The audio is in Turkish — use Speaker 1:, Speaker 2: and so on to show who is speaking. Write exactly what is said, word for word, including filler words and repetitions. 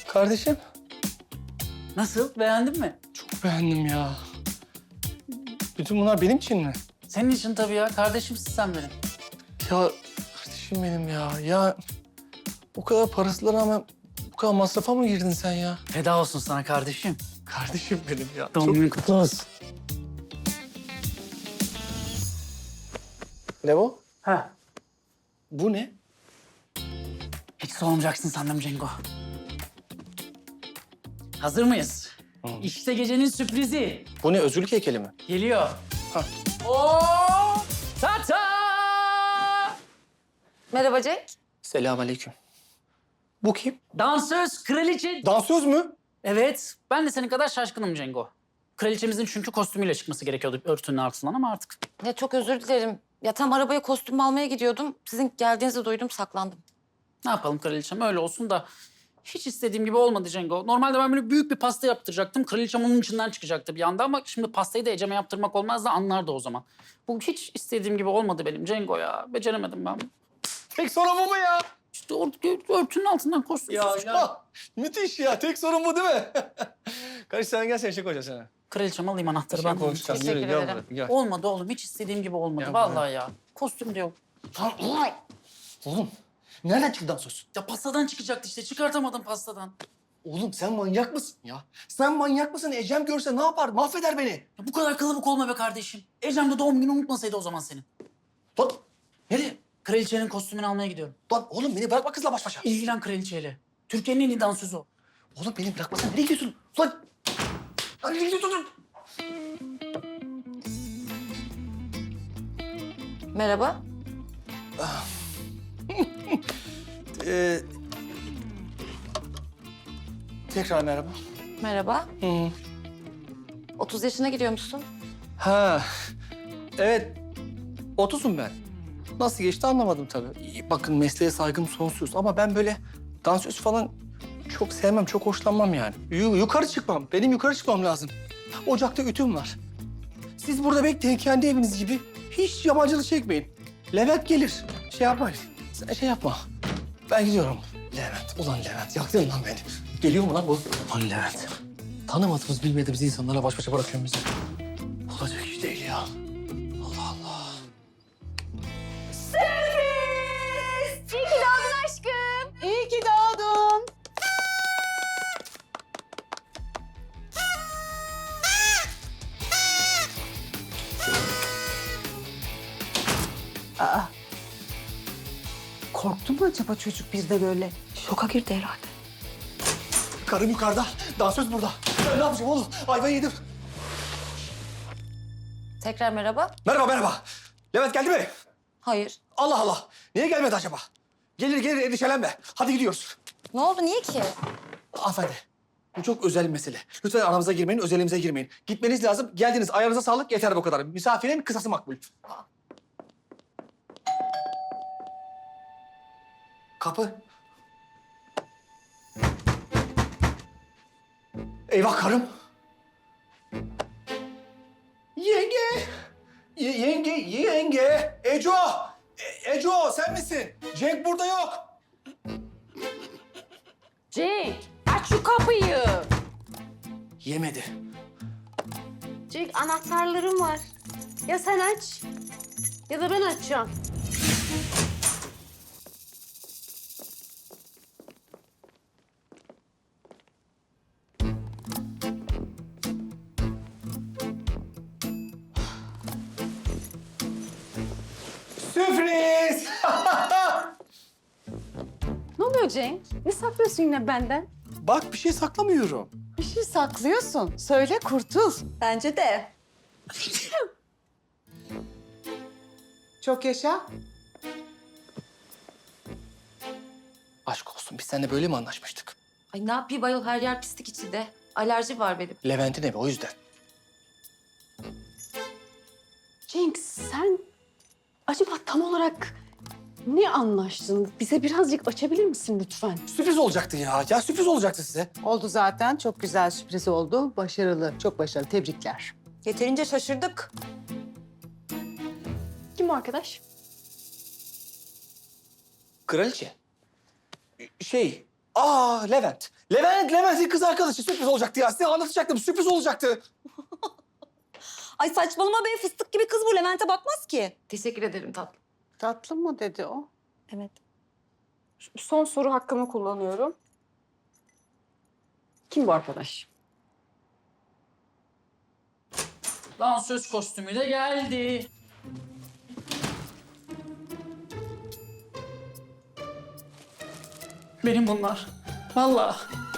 Speaker 1: Kardeşim.
Speaker 2: Nasıl? Beğendin mi?
Speaker 1: Çok beğendim ya. Bütün bunlar benim için mi?
Speaker 2: Senin için tabii ya. Kardeşimsin sen benim.
Speaker 1: Ya kardeşim benim ya. Ya o kadar parasına rağmen bu kadar masrafa mı girdin sen ya?
Speaker 2: Feda olsun sana kardeşim.
Speaker 1: Kardeşim benim ya.
Speaker 2: Doğum günün kutlu olsun.
Speaker 1: Ne bu?
Speaker 2: Ha.
Speaker 1: Bu ne?
Speaker 2: Hiç sormayacaksın sandım Cengo. Hazır mıyız?
Speaker 1: Hı.
Speaker 2: İşte gecenin sürprizi.
Speaker 1: Bu ne? Özgürlük heykeli mi?
Speaker 2: Geliyor.
Speaker 1: Ha.
Speaker 2: Oo! Tata!
Speaker 3: Merhaba Cenk.
Speaker 1: Selamünaleyküm. Bu kim?
Speaker 2: Dansöz, kraliçe.
Speaker 1: Dansöz mü?
Speaker 2: Evet, ben de senin kadar şaşkınım Cengo. Kraliçemizin çünkü kostümüyle çıkması gerekiyordu örtünün altından ama artık.
Speaker 3: Ya çok özür dilerim. Ya tam arabaya kostüm almaya gidiyordum. Sizin geldiğinizi duydum, saklandım.
Speaker 2: Ne yapalım kraliçem öyle olsun da hiç istediğim gibi olmadı Cengo. Normalde ben böyle büyük bir pasta yaptıracaktım. Kraliçem onun içinden çıkacaktı bir anda ama şimdi pastayı da Ecem'e yaptırmak olmaz da anlardı o zaman. Bu hiç istediğim gibi olmadı benim Cengo ya. Beceremedim ben.
Speaker 1: Tek sorun bu mu ya?
Speaker 2: İşte or- örtünün altından kostüm.
Speaker 1: Ya,
Speaker 2: çıkar.
Speaker 1: ya müthiş ya. Tek sorun bu değil mi? Kardeş sen gel sen şey koyacaksın sana.
Speaker 2: Kraliçem alayım anahtarı
Speaker 1: Şey
Speaker 2: ben.
Speaker 1: konuşacağız.
Speaker 3: Teşekkür
Speaker 1: Yürü, gel
Speaker 3: ederim.
Speaker 1: buraya, gel.
Speaker 2: Olmadı oğlum hiç istediğim gibi olmadı
Speaker 1: Ya,
Speaker 2: vallahi ya. Kostüm de yok.
Speaker 1: Oğlum nereden çıktı dansöz?
Speaker 2: Ya pastadan çıkacaktı işte çıkartamadım pastadan.
Speaker 1: Oğlum sen manyak mısın ya? Sen manyak mısın? Ecem görse ne yapar? Mahveder beni.
Speaker 2: Ya bu kadar kılıbık olma be kardeşim. Ecem de doğum günü unutmasaydı o zaman senin.
Speaker 1: Lan nereye?
Speaker 2: Kraliçenin kostümünü almaya gidiyorum.
Speaker 1: Lan oğlum beni bırakma kızla baş başa.
Speaker 2: İlgilen kraliçeyle. Türkiye'nin en iyi dansözü o.
Speaker 1: Oğlum beni bırakmasana. Nereye gidiyorsun? Lan! Lan nereye gidiyorsun?
Speaker 3: Merhaba.
Speaker 1: Ee, tekrar merhaba.
Speaker 3: Merhaba.
Speaker 1: Hı.
Speaker 3: otuz yaşına giriyormuşsun.
Speaker 1: Ha, evet. Otuzum ben. Nasıl geçti anlamadım tabii. Bakın mesleğe saygım sonsuz ama ben böyle dansöz falan çok sevmem, çok hoşlanmam yani. Yu- yukarı çıkmam. Benim yukarı çıkmam lazım. Ocakta ütüm var. Siz burada bekleyin kendi eviniz gibi. Hiç yabancılık çekmeyin. Levent gelir. Şey yapmayın. Sen şey yapma. Ben gidiyorum. Levent. Ulan Levent. Yaktın lan beni. Geliyor mu lan bu? Ulan Levent. Tanımadığımız, bilmediğimiz insanlarla baş başa bırakıyorsun bizi. Olacak iş değil ya. Allah Allah.
Speaker 4: İyi ki doğdun aşkım. İyi ki doğdun. Aa. Korktu mu acaba çocuk bir de böyle?
Speaker 3: Şoka girdi herhalde.
Speaker 1: Karım yukarıda, dansöz burada. Ben ne yapacağım oğlum? Ayvayı yedim.
Speaker 3: Tekrar merhaba.
Speaker 1: Merhaba, merhaba. Levent geldi mi?
Speaker 3: Hayır.
Speaker 1: Allah Allah. Niye gelmedi acaba? Gelir gelir endişelenme. Hadi gidiyoruz.
Speaker 3: Ne oldu, niye ki?
Speaker 1: Hanımefendi, bu çok özel bir mesele. Lütfen aramıza girmeyin, özelimize girmeyin. Gitmeniz lazım. Geldiniz, ayağınıza sağlık. Yeter bu kadar. Misafirin kısası makbul. Kapı. Eyvah karım. Yenge. Y- yenge, yenge. Eco. E- Eco sen misin? Cenk burada yok.
Speaker 4: Cenk, aç şu kapıyı.
Speaker 1: Yemedi.
Speaker 4: Cenk, anahtarlarım var. Ya sen aç ya da ben açacağım.
Speaker 1: Sürpriz.
Speaker 4: Ne oluyor Cenk? Ne saklıyorsun yine benden?
Speaker 1: Bak bir şey saklamıyorum.
Speaker 4: Bir şey saklıyorsun. Söyle kurtul. Bence de.
Speaker 5: Çok yaşa.
Speaker 1: Aşk olsun biz seninle böyle mi anlaşmıştık?
Speaker 3: Ay ne yapayım ayol, her yer pislik içinde. Alerji var benim.
Speaker 1: Levent'in evi o yüzden.
Speaker 4: Cenk, sen acaba tam olarak ne anlaştın? Bize birazcık açabilir misin lütfen?
Speaker 1: Sürpriz olacaktı ya. Ya sürpriz olacaktı size.
Speaker 5: Oldu zaten. Çok güzel sürpriz oldu. Başarılı, çok başarılı. Tebrikler.
Speaker 3: Yeterince şaşırdık.
Speaker 4: Kim o arkadaş?
Speaker 1: Kraliçe. Şey, Aa Levent. Levent, Levent'in kız arkadaşı sürpriz olacaktı ya. Size anlatacaktım, sürpriz olacaktı.
Speaker 6: Ay saçmalama be, fıstık gibi kız bu. Levent'e bakmaz ki.
Speaker 3: Teşekkür ederim tatlım.
Speaker 5: Tatlı mı dedi o?
Speaker 6: Evet.
Speaker 4: Son soru hakkımı kullanıyorum. Kim bu arkadaş?
Speaker 2: Dansöz kostümü de geldi. Benim bunlar. Vallahi.